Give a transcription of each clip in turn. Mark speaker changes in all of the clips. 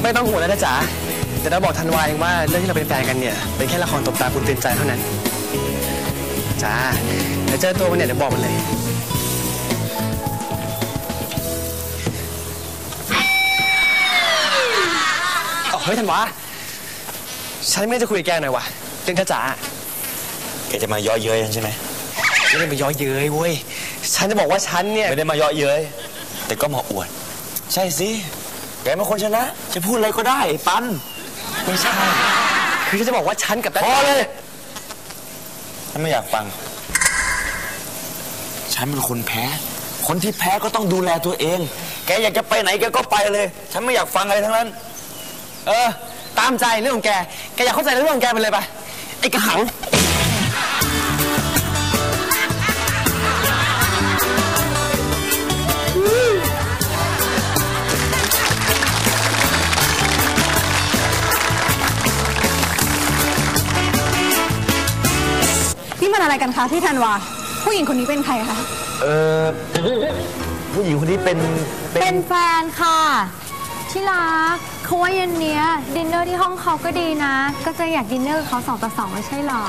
Speaker 1: ไม่ต้องห่วงนะจ๊ะแต่เราบอกธันวาเองว่าเรื่องที่เราเป็นแฟนกันเนี่ยเป็นแค่ละครตบตาคุณเตือนใจเท่านั้นจ้าเดี๋ยวเจอตัวมันเนี่ยเดี๋ยวบอกมันเลยเฮ้ยธันวาฉันไม่ได้จะคุยกับแกหน่อยวะเรื่องจ๋า
Speaker 2: แกจะมาเยาะเย้ยใช่ไหม
Speaker 1: ไม่ได้มาเยาะเย้ยเว้ยฉันจะบอกว่าฉันเนี่ย
Speaker 2: ไม่ได้มาเยาะเย้ยแต่ก็มาอวดใช่สิแกเป็นคนชนะจะพูดอะไรก็ได้ปัน
Speaker 1: ไม่ใช่คือฉันจะบอกว่าฉันกับ
Speaker 2: พอเลยฉันไม่อยากฟังฉันเป็นคนแพ้คนที่แพ้ก็ต้องดูแลตัวเองแกอยากจะไปไหนแกก็ไปเลยฉันไม่อยากฟังอะไรทั้งนั้น
Speaker 1: ตามใจเรื่องของแกอยากเข้าใจเรื่องของแกไปเลยไปไอ้กระหัง
Speaker 3: นี่มันอะไรกันคะที่ธันวาผู้หญิงคนนี้เป็นใครคะ
Speaker 2: ผู้หญิงคนนี้เป็น
Speaker 4: แฟนค่ะที่รักเขาว่าเย็นนี้ดินเนอร์ที่ห้องเขาก็ดีนะก็จะอยากดินเนอร์เขา2 ต่อ 2ไม่ใช่หรอ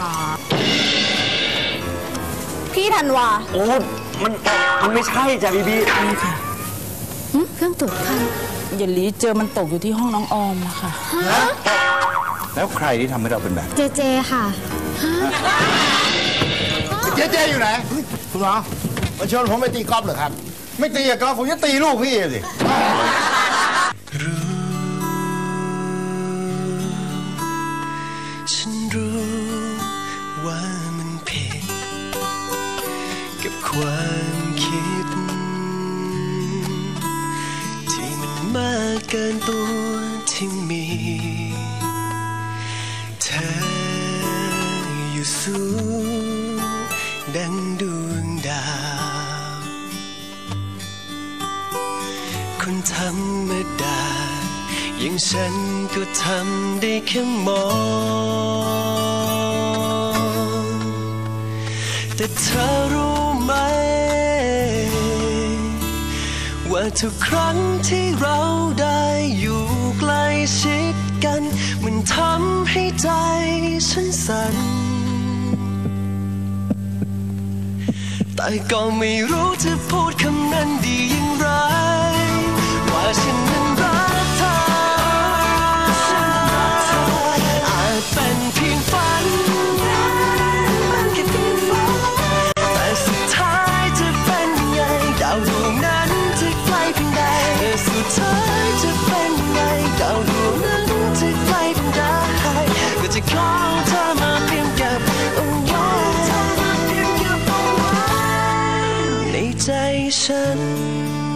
Speaker 3: พี่ธันวา
Speaker 2: โอ้มันไม่ใช่จ้ะบี
Speaker 4: ค่ะเครื่องตรวจคัน
Speaker 5: เยลลี่เจอมันตกอยู่ที่ห้องน้องออมค่ะ
Speaker 6: แล้วใครที่ทำให้เราเป็นแบบ
Speaker 4: เจค่ะ
Speaker 6: เจอยู่ไหนคุณหมอมาชวนผมไปตีกอล์ฟเหรอครับไม่ตีกอล์ฟผมจะตีลูกพี่สิ
Speaker 7: ฉันรู้ว่ามันผิดกับความคิดที่มันมากเกินตัวที่มีเธออยู่สูงดังดวงดาวคนธรรมดาอย่างฉันก็ทำได้แค่มองแต่เธอรู้ไหมว่าทุกครั้งที่เราได้อยู่ใกล้ชิดกันมันทำให้ใจฉันสั่นแต่ก็ไม่รู้จะพูดคำนั้นดีอย่างไรว่าฉันนั้นรักเธออาจเป็นเพียงฝันแต่สุดท้ายจะเป็นยังไงดาวดวงนั้นจะไกลเพียงใดแต่สุดท้ายจะเป็นยังไงดาวดวงนั้นจะไกลเพียงใดก็จะขอเธอมาเพียงเก็บเอาไว้ในใจฉัน